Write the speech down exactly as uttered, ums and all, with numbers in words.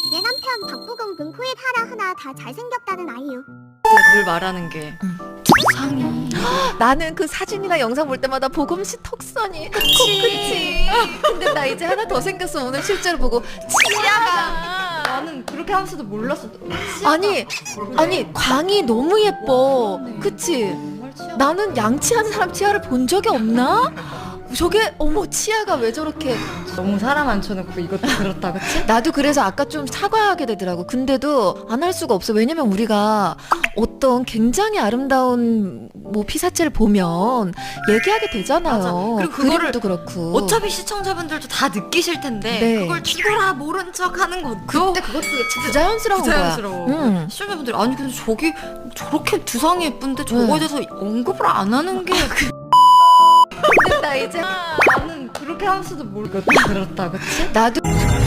내 남편 박부금 금코에 하나 하나 다 잘생겼다는 아이유. 늘 말하는 게 두상이. 나는 그 사진이나 영상 볼 때마다 보금 씨 턱선이 그치. 그치. 근데 나 이제 하나 더 생겼어. 오늘 실제로 보고 치아가. 나는 그렇게 하면서도 몰랐어. 아니 아니 광이 너무 예뻐. 그치? 정말 치아. 나는 양치하는 사람 치아를 본 적이 없나? 저게 어머 치아가 왜 저렇게. 너무 사람 앉혀놓고 이것도 그렇다, 그치? 나도 그래서 아까 좀 사과하게 되더라고. 근데도 안 할 수가 없어. 왜냐면 우리가 어떤 굉장히 아름다운 뭐 피사체를 보면 얘기하게 되잖아요. 맞아. 그리고 그거를 그림도 그렇고. 어차피 시청자분들도 다 느끼실 텐데 네. 그걸 죽어라 모른 척 하는 것도 그때 그것도 부자연스러운 부자연스러워. 거야. 응. 시청자분들이 아니 근데 저기 저렇게 두상이 예쁜데 저거에 네. 대해서 언급을 안 하는 게 근데 나 이제 나는 그렇게 하면서도 모르겠다. 그렇다, 그치? 나도